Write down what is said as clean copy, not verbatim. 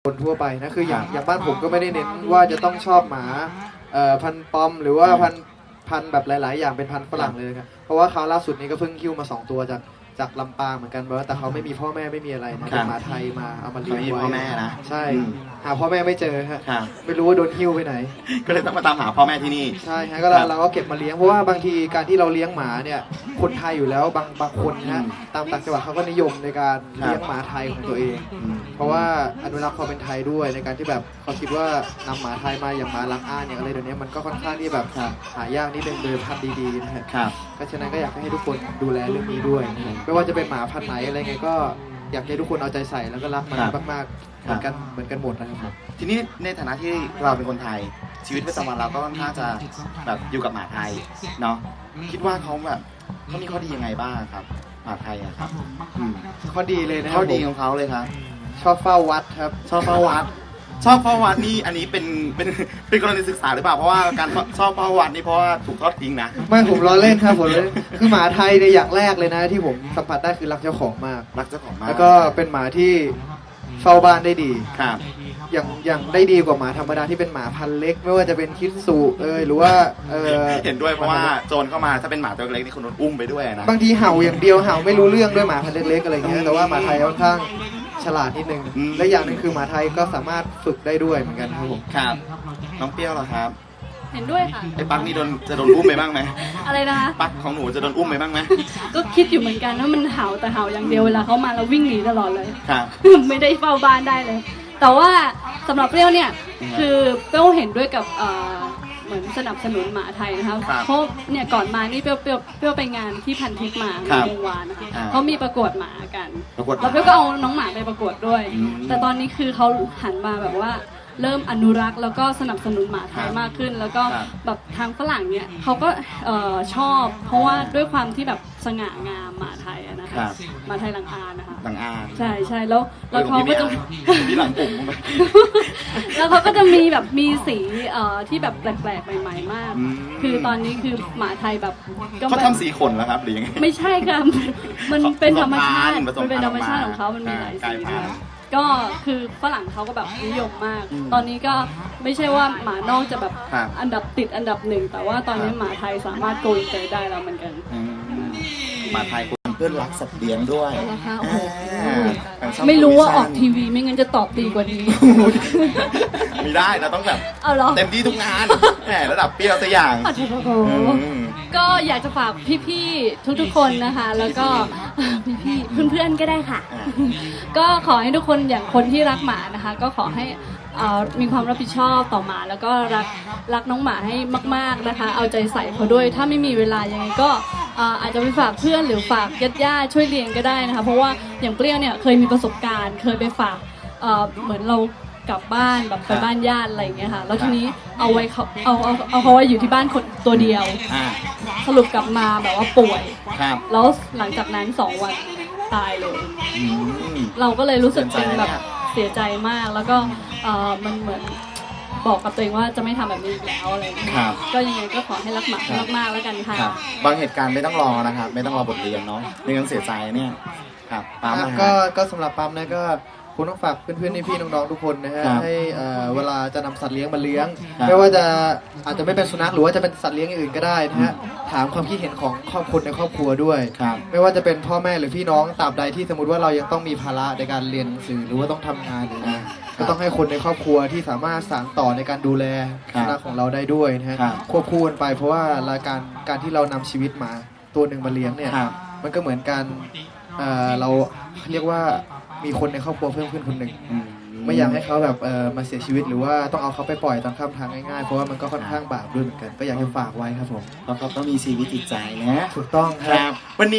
คนทั่วไปนะคืออย่างบ้านผมก็ไม่ได้เน้นว่าจะต้องชอบหมาพันธุ์ปอมหรือว่าพันธุ์แบบหลายๆอย่างเป็นพันธุ์ฝรั่งเลยครับเพราะว่าเขาล่าสุดนี้ก็เพิ่งคิ้วมา2 ตัวจากลำปางเหมือนกันแต่เขาไม่มีพ่อแม่ไม่มีอะไรนะเป็นหมาไทยมาเอามาเลี้ยงไว้พ่อแม่นะใช่หาพ่อแม่ไม่เจอฮะไม่รู้ว่าโดนคิ้วไปไหนก็เลยต้องมาตามหาพ่อแม่ที่นี่ใช่ฮะก็เราก็เก็บมาเลี้ยงเพราะว่าบางทีการที่เราเลี้ยงหมาเนี่ยคนไทยอยู่แล้วบางคนนะตามต่างจังหวัดเขาก็นิยมในการเลี้ยงหมาไทยของตัวเองเพราะว่าอนุรักษ์ความเป็นไทยด้วยในการที่แบบเขาคิดว่านำหมาไทยมาอย่างหมาลังอ้านอย่างอะไรเดี๋ยวนี้มันก็ค่อนข้างที่แบบหายากนิดนึงโดยพันธุ์ดีๆนะครับเพราะฉะนั้นก็อยากให้ทุกคนดูแลเรื่องนี้ด้วยไม่ว่าจะเป็นหมาพันธุ์ไหนอะไรไงก็อยากให้ทุกคนเอาใจใส่แล้วก็รักมันมากๆเหมือนกันหมดนะครับทีนี้ในฐานะที่เราเป็นคนไทยชีวิตประจำวันเราก็ค่อนข้างจะแบบอยู่กับหมาไทยเนาะคิดว่าเขาแบบเขามีข้อดียังไงบ้างครับหมาไทยครับข้อดีเลยนะข้อดีของเขาเลยครับชอบเฝ้าวัดครับชอบเฝ้าวัดนี่อันนี้เป็นกรณีศึกษาหรือเปล่าเพราะว่าการชอบเฝ้าวัดนี่เพราะว่าถูกทอดทิ้งนะไม่ผมล้อเล่นครับผมเลยคือหมาไทยในอย่างแรกเลยนะที่ผมสัมผัสได้คือรักเจ้าของมากแล้วก็เป็นหมาที่เฝ้าบ้านได้ดีครับอย่างได้ดีกว่าหมาธรรมดาที่เป็นหมาพันธุ์เล็กไม่ว่าจะเป็นคิดสูหรือว่าเห็นด้วยเพราะว่าโจรเข้ามาถ้าเป็นหมาตัวเล็กนี่คนโดนอุ้มไปด้วยนะบางทีเห่าอย่างเดียวเห่าไม่รู้เรื่องด้วยหมาพันธุ์เล็กๆอะไรเงี้ยแต่ว่าหมาไทยค่อนข้างฉลาดนิดนึงและอย่างนึงคือหมาไทยก็สามารถฝึกได้ด้วยเหมือนกันครับผมครับน้องเปรี้ยวเหรอครับเห็นด้วยค่ะไอ้ปักนี่จะโดนอุ้มไปบ้างไหมอะไรนะคะปักของหนูจะโดนอุ้มไปบ้างไหมก็คิดอยู่เหมือนกันว่ามันเห่าแต่เห่าอย่างเดียวเวลาเขามาเราวิ่งหนีตลอดเลยครับไม่ได้เฝ้าบ้านได้เลยแต่ว่าสำหรับเปรี้ยวเนี่ยคือเปรี้ยวเห็นด้วยกับเหมือนสนับสนุนหมาไทยนะคะเพราะเนี่ยก่อนมานี่เปรี้ยวไปงานที่พันทิพย์มาในวงวานนะคะเขามีประกวดหมากันแล้วเปรี้ยวก็เอาน้องหมาไปประกวดด้วยแต่ตอนนี้คือเขาหันมาแบบว่าเริ่มอนุรักษ์แล้วก็สนับสนุนหมาไทยมากขึ้นแล้วก็แบบทางฝรั่งเนี่ยเขาก็ชอบเพราะว่าด้วยความที่แบบสง่างามหมาไทยนะคะหมาไทยลังอานนะคะลังอานใช่แล้วเขาก็จะที่หลังปุ่มแล้วเขาก็จะมีแบบมีสีที่แบบแปลกๆใหม่ๆมากคือตอนนี้คือหมาไทยแบบเขาทำสีขนแล้วครับหรือยังไงไม่ใช่ค่ะมันเป็นธรรมชาติของเขามันมีหลายสีก็คือฝรั่งเขาก็แบบนิยมมากตอนนี้ก็ไม่ใช่ว่าหมานอกจะแบบอันดับ1แต่ว่าตอนนี้หมาไทยสามารถโกยเตยได้แล้วเหมือนกันหมาไทยเพื่อนรักสัตว์เลี้ยงด้วยไม่รู้ว่าออกทีวีไม่งั้นจะตอบดีกว่านี้ไม่ได้เราต้องแบบเต็มที่ทุกงานแหมระดับเปรี้ยวตัวอย่างก็อยากจะฝากพี่ๆทุกๆคนนะคะแล้วก็พี่ๆเพื่อนๆก็ได้ค่ะก็ขอให้ทุกคนอย่างคนที่รักหมานะคะก็ขอให้มีความรับผิดชอบต่อหมาแล้วก็รักน้องหมาให้มากๆนะคะเอาใจใส่เขาด้วยถ้าไม่มีเวลายังไงก็อาจจะไปฝากเพื่อนหรือฝากญาติๆช่วยเลี้ยงก็ได้นะคะเพราะว่าอย่างเปรี้ยวเนี่ยเคยมีประสบการณ์เคยไปฝากเหมือนเรากลับบ้านแบบไปบ้านญาติอะไรอย่างเงี้ยค่ะแล้วทีนี้เอาเขาไว้อยู่ที่บ้านคนตัวเดียวสรุปกลับมาแบบว่าป่วยแล้วหลังจากนั้น2 วันตายเลยเราก็เลยรู้สึกเป็นแบบเสียใจมากแล้วก็มันเหมือนบอกกับตัวเองว่าจะไม่ทำแบบนี้อีกแล้วอะไรอย่างเงี้ยก็ยังไงก็ขอให้รักหมามากๆแล้วกันค่ะบางเหตุการณ์ไม่ต้องรอนะครับไม่ต้องรอบทเรียนเนาะไม่งั้นเสียใจเนี่ยครับปั๊มก็สำหรับปั๊มนะก็คุณต้องฝากเพื่อนๆพี่น้องๆทุกคนนะฮะให้เวลาจะนำสัตว์เลี้ยงมาเลี้ยงไม่ว่าจะอาจจะไม่เป็นสุนัขหรือว่าจะเป็นสัตว์เลี้ยงอื่นก็ได้นะฮะถามความคิดเห็นของครอบครัวในครอบครัวด้วยไม่ว่าจะเป็นพ่อแม่หรือพี่น้องตราบใดที่สมมติว่าเรายังต้องมีภาระในการเรียนหนังสือหรือว่าต้องทำงานหรือก็ต้องให้คนในครอบครัวที่สามารถสานต่อในการดูแลสุนัขของเราได้ด้วยนะฮะควบคู่กันไปเพราะว่าการที่เรานำชีวิตหมาตัวหนึ่งมาเลี้ยงเนี่ยมันก็เหมือนการเราเรียกว่ามีคนในครอบครัวเพิ่มขึ้นคนหนึ่งไม่อยากให้เขาแบบมาเสียชีวิตหรือว่าต้องเอาเขาไปปล่อยตามข้ามทางง่ายๆเพราะว่ามันก็ค่อนข้างบาปด้วยเหมือนกันก็อยากจะฝากไว้ครับผมเพราะเขาต้องมีชีวิตจิตใจนะถูกต้องครับวันนี้